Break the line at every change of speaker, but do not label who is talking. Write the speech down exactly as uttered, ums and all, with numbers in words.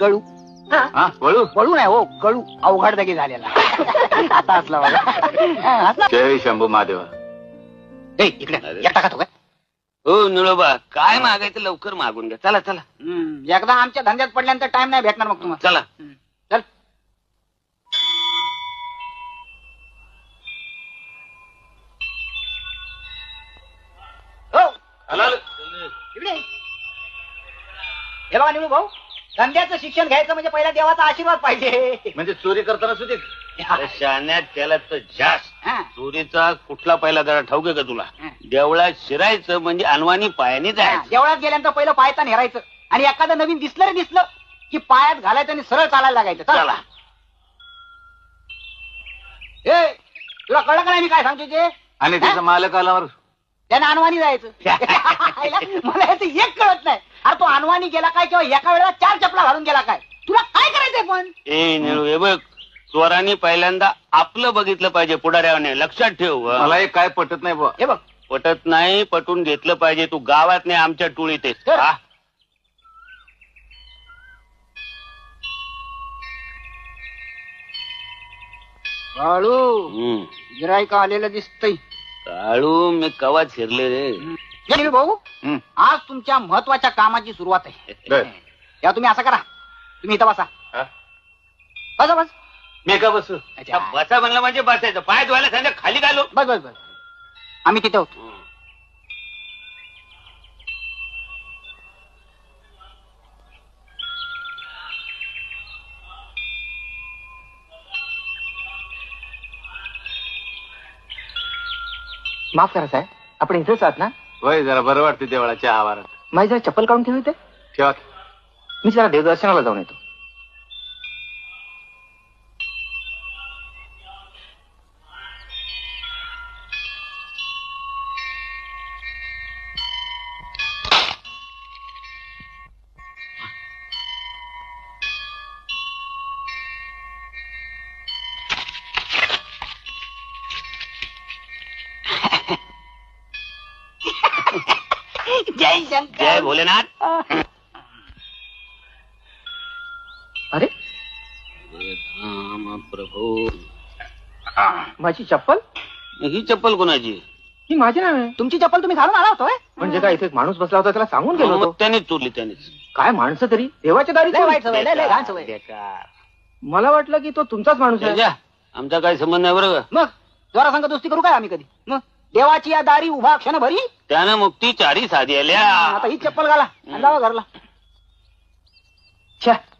कळू
हा वळू
वळू नाही हो कळू अवघड जागी झालेला आता असला बघा.
जय शंभू महादेवा.
ए, इकडे एकटा खातो काय?
हो निळोबा काय मागायचं लवकर मागून घ्या. चला चला
हम्म, एकदा आमच्या धंद्यात पडल्यानंतर टाइम नाही भेटणार मग तुम्हाला.
चला.
हम्म, चल. हो इकडे हे बघा निळू भाऊ, धंद्याचं शिक्षण घ्यायचं म्हणजे पहिला देवाचा आशीर्वाद पाहिजे.
म्हणजे चोरी करताना सुद्धा
अरे शाण्यात त्याला तर जास्त
हा.
चोरीचा कुठला पहिला जरा ठाऊक आहे का तुला?
हा.
देवळात शिरायचं म्हणजे अनवाणी पायाने
हा,
जायचं.
देवळात गेल्यानंतर पहिलं पायता हेरायचं आणि एखादं नवीन दिसलं रे दिसलं की पायात घालायचं आणि सरळ चालायला लागायचं.
चला.
ए तुला कळलं का नाही मी काय सांगतो ते?
आणि त्याचा मालक आल्यावर
त्याने अनवाणी जायचं. मला याचं एक कळत नाही. अरे तो अनवाणी गेला काय किंवा एका वेळेला चार चपला घालून गेला काय? तुला काय करायचंय पण?
ए निळू हे बघ, चोरांनी पहिल्यांदा आपलं बघितलं पाहिजे पुढाऱ्याने. लक्षात ठेव. हं.
मला एक काय पटत नाही बुवा.
हे बघ
पटत नाही, पटून घेतलं पाहिजे. तू गावात नाही आमच्या टोळीत आहेस.
तर.
हा?
बाळू
हम्म.
गिरायक आलेलं दिसतंय.
काळू मी कवा शिरले रे.
हे भाऊ
हं.
आज तुमच्या महत्वाच्या कामाची सुरुवात आहे.
बर.
या तुम्ही असं करा, तुम्ही इथं बसा.
हा?
बसा बस.
मी का बसू?
अच्छा.
बसा म्हणलं म्हणजे बसायचं. पाय धुवायला सांगा खाली घालू.
बस बस बस आम्ही तिथे होतो.
माफ करा साहेब, आपण इथेच आहात ना?
वय जरा बरं वाटते देवळाच्या आवारात.
माझी जरा चप्पल काढून ठेवू इथे.
ठेवा.
मी जरा देवदर्शनाला जाऊन येतो.
जय शंकर.
जय भोलेनाथ.
अरे
राम प्रभू.
माझी चप्पल
ही चप्पल कोणाची?
ही माझी नाही.
तुमची चप्पल तुम्ही घालून आला होतोय.
म्हणजे काय, इथे एक माणूस बसला होता, त्याला सांगून गेलो
मग
होतो.
त्यानेच चोरली त्यानेच.
काय माणसं तरी देवाच्या दारी
लय वाईट सवय, लय लय घाण सवय.
बेकार.
मला वाटलं की तो तुमचाच माणूस आहे.
जा. आमचा काही संबंध नाही बरं का.
मग जरा संग दोस्ती करू काय आम्ही कधी? मग देवाची या दारी उभा क्षण भरी.
त्यानं मुक्ती चारी साधी आल्या.
आता ही चप्पल घाला आणि जावा घरला.
छ्या,